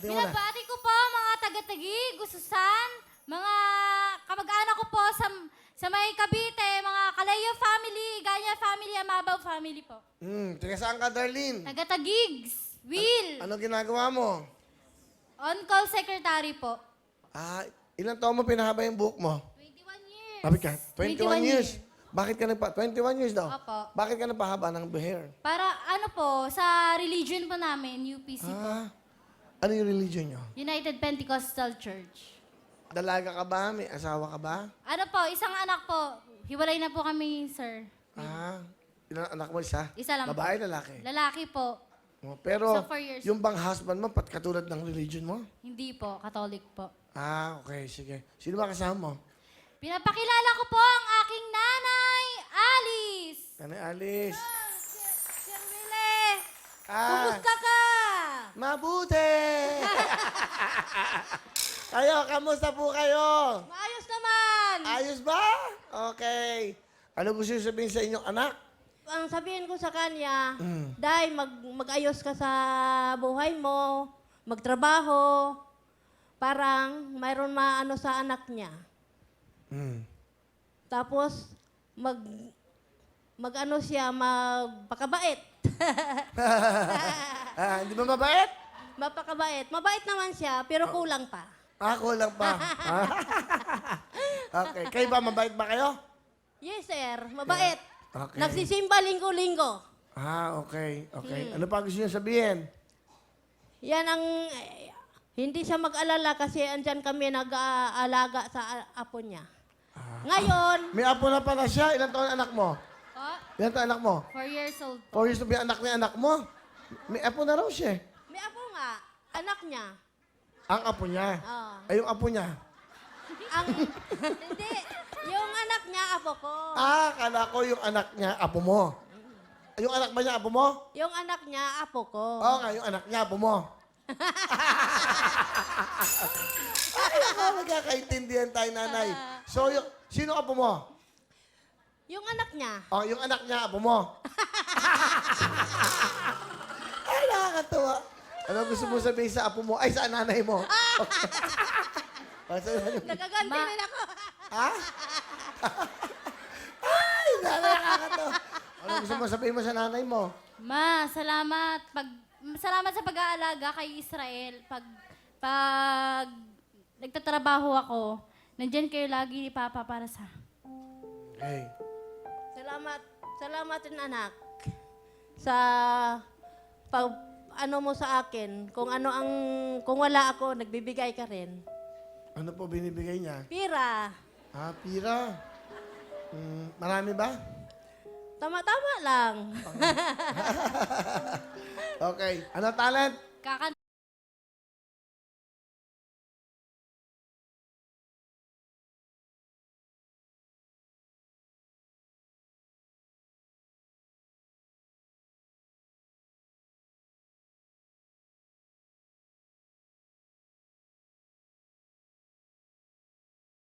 Patingin mo na. Binabati ko po mga taga-Taguig, Gususan, mga kamag-anak ko po sa may Cavite, mga Kalayo family, Ganya family, Amabaw family po. Taga saan ka, Darlene? Taga-Tagigs, Will, Ano ginagawa mo? on-call secretary po. Ilang taon mo pinahaba yung buhok mo? 21 years. Sabi ka, 21 years. years. Bakit ka 21 years daw? Opo. Bakit ka nagpahaba ng hair? Para ano po, sa religion po namin, UPC po. Ano yung religion nyo? United Pentecostal Church. Dalaga ka ba? May asawa ka ba? Ano po, isang anak po. Hiwalay na po kami, sir. Ilang anak mo isa? Isa lang po. Babae, lalaki? Lalaki po. Pero So, 4 years. yung bang husband mo, katulad ng religion mo? Hindi po, Catholic po. Okay, sige. Sino ba kasama mo? Pinapakilala ko po ang aking nanay, Alice. Nanay Alice. Sir Wille, Kumusta ka? Mabuti! Kayo, kamusta po kayo? Maayos naman. Ayos ba? Okay. Ano gusto niyo sabihin sa inyong anak? Ang sabihin ko sa kanya, Day, mag-ayos ka sa buhay mo, magtrabaho, parang mayroon maano sa anak niya. Tapos, mag-ano siya, magpakabait. Hindi ba mabait? Mapakabait. Mabait naman siya, pero kulang pa. Kulang pa. Okay. Kayo ba, mabait ba kayo? Yes, sir. Mabait. Okay. Nagsisimba linggo-linggo. Okay. Ano pa gusto niyo sabihin? Yan ang... hindi siya mag-alala kasi andyan kami nag-aalaga sa apo niya. Ngayon, May apo na pala siya. Ilan taon anak mo? Po, Ilan taon anak mo? 4 years old. 4 years na ba yung anak ni anak mo? May apo na raw siya. may apo nga, anak niya. Ang apo niya. Oh. Ay, yung apo niya. Hindi, yung anak niya, apo ko. Kala ko yung anak niya, apo mo. Yung anak ba niya, apo mo? Yung anak niya, apo ko. Oo nga, yung anak niya, apo mo. Ay, ako, magkakaintindihan tayo, nanay. So, sino apo mo? Yung anak niya. Yung anak niya, apo mo. Ay, nakakatawa. Ano gusto mo sabihin sa apo mo? Ay, sa nanay mo. Nagaganti rin ako. Ay, nanay, nakakatawa. Ano gusto mo sabihin mo sa nanay mo? Ma, salamat. Salamat sa pag-aalaga kay Israel. Pag nagtatrabaho ako, nandyan kayo lagi ni Papa para sa... Okay. Salamat din anak. Sa ano mo sa akin. Kung wala ako, nagbibigay ka rin. Ano po binibigay niya? Pira. Pira. Marami ba? Tama-tama lang. Okay. Ano talent? Kakan